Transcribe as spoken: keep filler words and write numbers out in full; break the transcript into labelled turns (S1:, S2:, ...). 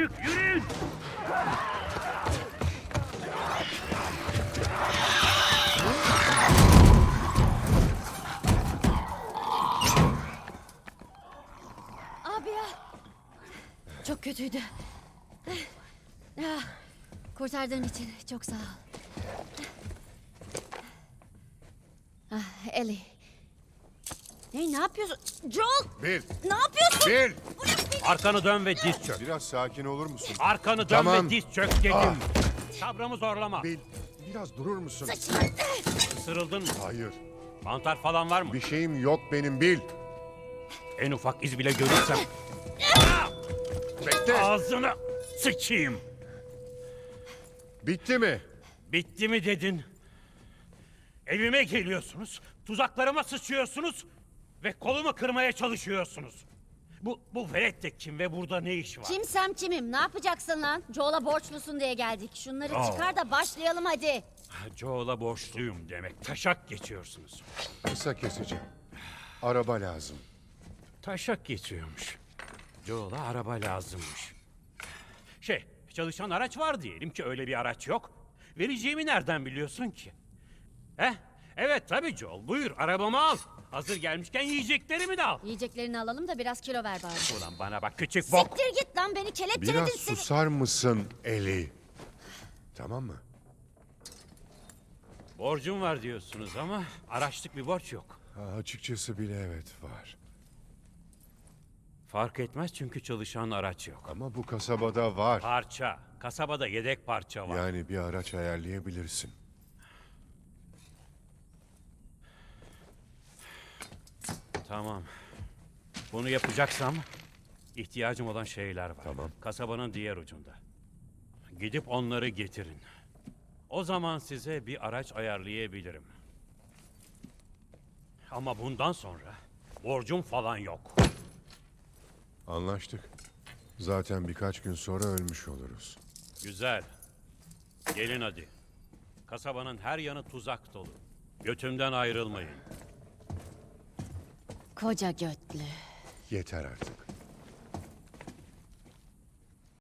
S1: açık, yürüyün!
S2: Abi ya. Çok kötüydü. Ah, kurtardığın için çok sağ ol. Ah, Ellie. Hey, ne yapıyorsun? Joel!
S3: Bil,
S2: Ne yapıyorsun?
S3: bil.
S1: Arkanı dön ve diz çök.
S3: Biraz sakin olur musun?
S1: Arkanı dön
S3: Tamam.
S1: ve diz çök dedim.
S3: Ah.
S1: Sabrımı zorlama.
S3: Bil, biraz durur musun?
S2: Saçını.
S1: Isırıldın mı?
S3: Hayır,
S1: Mantar falan var mı?
S3: bir şeyim yok benim Bil.
S1: En ufak iz bile görürsem
S3: Bekle.
S1: ağzını sıçayım.
S3: Bitti mi?
S1: Bitti mi dedin? Evime geliyorsunuz, tuzaklarıma sıçıyorsunuz ve kolumu kırmaya çalışıyorsunuz. Bu, bu velet de kim ve burada ne iş var?
S2: Kimsem kimim? Ne yapacaksın lan? Joel'a borçlusun diye geldik. Şunları
S1: Aa.
S2: çıkar da başlayalım hadi.
S1: Joel'a borçluyum demek. Taşak geçiyorsunuz.
S3: Kısa keseceğim. Araba lazım.
S1: Taşak geçiyormuş. Joel'a araba lazımmış. Şey, çalışan araç var diyelim ki öyle bir araç yok. Vereceğimi nereden biliyorsun ki? He? Evet tabii Joel. Buyur arabamı al. Hazır gelmişken yiyeceklerimi de al.
S2: Yiyeceklerini alalım da biraz kilo ver bari.
S1: Ulan bana bak küçük bok.
S2: Siktir git lan, beni kelepçeledin
S3: Biraz
S2: seni.
S3: susar mısın Eli? Tamam mı?
S1: Borcum var diyorsunuz ama araçlık bir borç yok.
S3: Ha, açıkçası bile evet var.
S1: Fark etmez çünkü çalışan araç yok.
S3: Ama bu kasabada var.
S1: Parça. Kasabada yedek parça var.
S3: Yani bir araç ayarlayabilirsin.
S1: Tamam. Bunu yapacaksam ihtiyacım olan şeyler var.
S3: Tamam.
S1: Kasabanın diğer ucunda. Gidip onları getirin. O zaman size bir araç ayarlayabilirim. Ama bundan sonra borcum falan yok.
S3: Anlaştık. Zaten birkaç gün sonra ölmüş oluruz.
S1: Güzel. Gelin hadi. Kasabanın her yanı tuzak dolu. Götümden ayrılmayın.
S2: Koca götlü.
S3: Yeter artık.